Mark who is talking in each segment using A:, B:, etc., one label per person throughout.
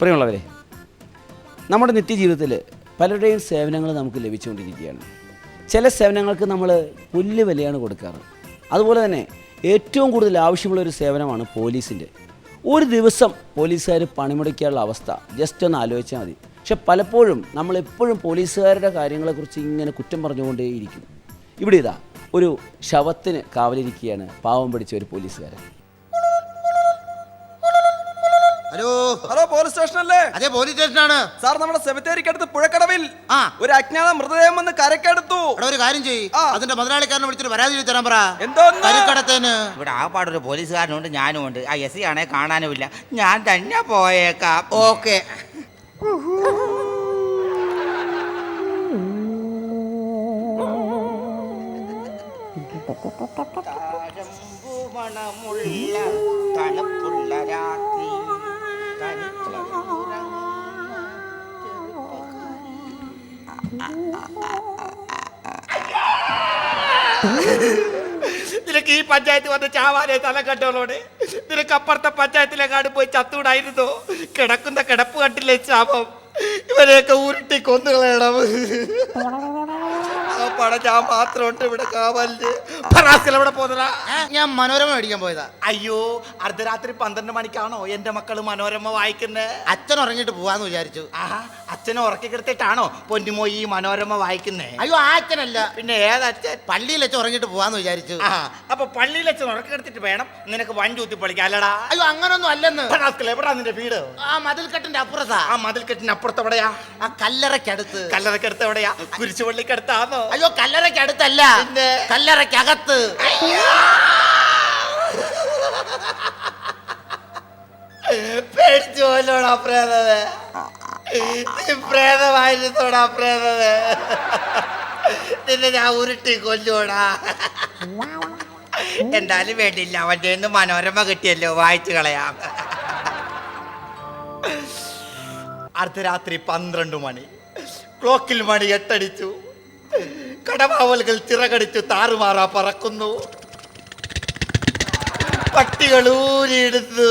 A: പ്രിയമുള്ളവരെ, നമ്മുടെ നിത്യജീവിതത്തിൽ പലരുടെയും സേവനങ്ങൾ നമുക്ക് ലഭിച്ചുകൊണ്ടിരിക്കുകയാണ്. ചില സേവനങ്ങൾക്ക് നമ്മൾ പുല്ല് വിലയാണ് കൊടുക്കാറ്. അതുപോലെ തന്നെ ഏറ്റവും കൂടുതൽ ആവശ്യമുള്ളൊരു സേവനമാണ് പോലീസിൻ്റെ. ഒരു ദിവസം പോലീസുകാർ പണിമുടക്കാനുള്ള അവസ്ഥ ജസ്റ്റ് ഒന്ന് ആലോചിച്ചാൽ മതി. പക്ഷെ പലപ്പോഴും നമ്മളെപ്പോഴും പോലീസുകാരുടെ കാര്യങ്ങളെക്കുറിച്ച് ഇങ്ങനെ കുറ്റം പറഞ്ഞുകൊണ്ടേയിരിക്കും. ഇവിടെ ഇതാ ഒരു ശവത്തിന് കാവലിരിക്കുകയാണ് പാവം പിടിച്ച ഒരു പോലീസുകാരൻ.
B: ഹലോ
C: ഹലോ, പോലീസ് സ്റ്റേഷനല്ലേ?
B: അതെ, പോലീസ് സ്റ്റേഷനാണ്
C: സാർ. നമ്മുടെ സെമിത്തേരിക്കടുത്ത് പുഴക്കടവിൽ ഒരു അജ്ഞാത മൃതദേഹം വന്ന് കരക്കെടുത്തു.
B: ഒരു കാര്യം ചെയ്യ്, അതിന്റെ മുതലാളിക്കാരനെ വിളിച്ചിട്ട് പരാതി എഴുതി തരാൻ പറ.
C: എന്തോന്ന്?
B: കരക്കടത്തേന്
D: ഇവിടെ ആകപ്പാടൊരു പോലീസുകാരനുണ്ട്, ഞാനും ഉണ്ട്. ആ എസ് ആണെ കാണാനുമില്ല, ഞാൻ തന്നെ പോയേക്കാം.
B: ഓക്കെ.
D: മണമുള്ള തണുപ്പുള്ള രാത്രി നിനക്ക് ഈ പഞ്ചായത്ത് വന്ന് ചാവാനെ തല കണ്ടോളോടെ. നിനക്ക് അപ്പുറത്തെ പഞ്ചായത്തിലെങ്ങാട് പോയി ചത്തൂടായിരുന്നോ? കിടക്കുന്ന കിടപ്പ് കണ്ടില്ലേ ശാപം? ഇവരെയൊക്കെ ഉരുട്ടി കൊന്നുകളയണം. ആ പടം ഞാൻ മാത്രം ഉണ്ട് ഇവിടെ കാവലില്. എവിടെ പോന്നതാ?
B: ഞാൻ മനോരമ മേടിക്കാൻ പോയതാ.
D: അയ്യോ, അർദ്ധരാത്രി 12 മണിക്കാണോ എന്റെ മക്കള് മനോരമ വായിക്കുന്നേ?
B: അച്ഛൻ ഉറങ്ങിട്ട് പോവാന്ന് വിചാരിച്ചു.
D: ആഹാ, അച്ഛനെ ഉറക്കി കിടത്തിട്ടാണോ പൊന്നുമോ ഈ മനോരമ വായിക്കുന്നേ?
B: അയ്യോ, ആ അച്ഛനല്ല,
D: പിന്നെ ഏതച്ഛൻ?
B: പള്ളിയിൽ വെച്ച് ഉറങ്ങിട്ട് പോവാന്ന് വിചാരിച്ചു.
D: അപ്പൊ പള്ളിയിൽ അച്ഛൻ ഉറക്കി കിടത്തിട്ട് വേണം നിനക്ക് വണ്ടി ഊത്തി പൊളിക്കാം അല്ലടാ?
B: അയ്യോ, അങ്ങനൊന്നും അല്ലെന്ന്.
D: എവിടാ നിന്റെ വീട്?
B: ആ മതിൽക്കെട്ടിന്റെ അപ്പുറത്താ.
D: ആ മതിൽക്കെട്ടിന് അപ്പുറത്ത് എവിടെയാ?
B: ആ കല്ലറയ്ക്കടുത്ത്.
D: കല്ലറക്കടുത്ത് എവിടെയാ? കുരിശുപള്ളിക്കടുത്താണോ?
B: അയ്യോ, കല്ലറയ്ക്കടുത്തല്ല,
D: പിന്നെ
B: കല്ലറയ്ക്കകത്ത്.
D: പേടിച്ചു പോലോടാ പ്രേതവേ. പ്രേതമായിരുന്നോടാ പ്രേതവേ. നിന്നെ ഞാൻ ഉരുട്ടി കൊല്ലൂടാ. എന്തായാലും വേണ്ടില്ല, അവന്റെ മനോരമ കിട്ടിയല്ലോ, വായിച്ചു കളയാം. അർദ്ധരാത്രി 12 മണി. ക്ലോക്കിൽ മണി 8 അടിച്ചു. കടവാവലുകൾ ചിറകടിച്ചു താറുമാറാ പറക്കുന്നു. പട്ടികൾ ഊരിയെടുത്തു.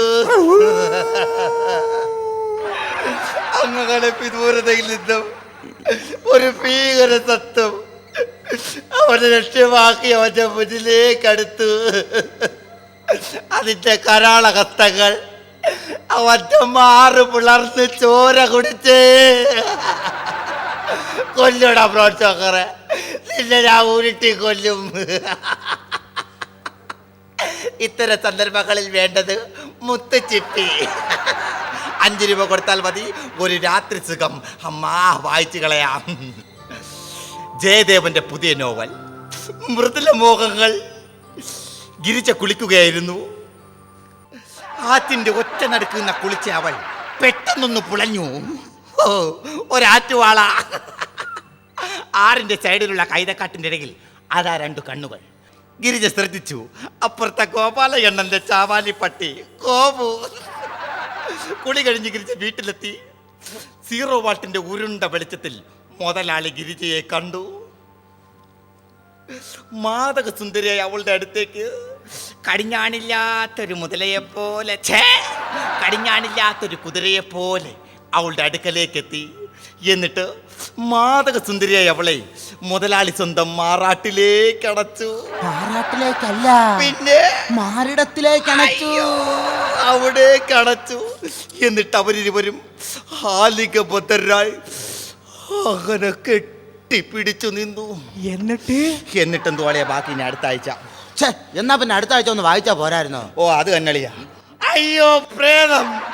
D: അങ്ങനെ വിദൂരതയിൽ നിന്നും ഒരു ഭീകര സത്വം അവനെ ലക്ഷ്യമാക്കി അവന്റെ മുന്നിലേക്കടുത്തു. അതിന്റെ കരാളഹസ്തങ്ങൾ അവന്റെ മാറ് പിളർന്ന് ചോര കുടിച്ചേ കൊല്ലടാ പ്രോത്സാഹറെ. നിന്നെ ഞാൻ ഉരുട്ടി കൊല്ലും. ഇത്തരം സന്ദർഭങ്ങളിൽ വേണ്ടത് മുത്തുച്ചിപ്പി. 5 രൂപ കൊടുത്താൽ മതി, ഒരു രാത്രി സുഖം. അമ്മാ, വായിച്ചു കളയാം. ജയദേവന്റെ പുതിയ നോവൽ മൃദുല മോഹങ്ങൾ. ഗിരിജ കുളിക്കുകയായിരുന്നു. ആറ്റിന്റെ ഒറ്റ നടുക്കുന്ന കുളിച്ച അവൾ പെട്ടെന്നൊന്ന് പുളഞ്ഞു. ഓ, ഒരാറ്റുവാള. ആറിന്റെ സൈഡിലുള്ള കൈതക്കാട്ടിന്റെ ഇടയിൽ അതാ 2 കണ്ണുകൾ. ഗിരിജ ശ്രദ്ധിച്ചു. അപ്പുറത്തെ ഗോപാല എണ്ണന്റെ ചാവാലി പട്ടി കോപു. കുളി കഴിഞ്ഞ് ഗിരിജ വീട്ടിലെത്തി. 0 വാട്ടിന്റെ ഉരുണ്ട വെളിച്ചത്തിൽ മുതലാളി ഗിരിജയെ കണ്ടു. മാതക സുന്ദരിയായി അവളുടെ അടുത്തേക്ക് കടിഞ്ഞാണില്ലാത്തൊരു മുതലയെപ്പോലെ, കടിഞ്ഞാണില്ലാത്തൊരു കുതിരയെപ്പോലെ അവളുടെ അടുക്കലേക്ക് എത്തി. എന്നിട്ട് മാതക സുന്ദരിയായി അവളെ മുതലാളി സ്വന്തം മാറാട്ടിലേക്ക് അടച്ചു.
B: മാറാട്ടിലേക്കല്ല,
D: പിന്നെ
B: മാറിടത്തിലേക്ക് അടച്ചു.
D: അവിടേക്ക് അടച്ചു. എന്നിട്ട് അവരിരുവരും ഹാലികബദ്ധരായി അങ്ങനെ കെട്ടിപ്പിടിച്ചു നിന്നു. എന്നിട്ടെന്തോ അളിയാ ബാക്കി ഇനി അടുത്ത ആഴ്ച.
B: എന്നാ പിന്നെ അടുത്ത ആഴ്ച ഒന്ന് വായിച്ചാ പോരായിരുന്നോ?
D: ഓ, അത് തന്നെളിയാ. അയ്യോ പ്രേതം.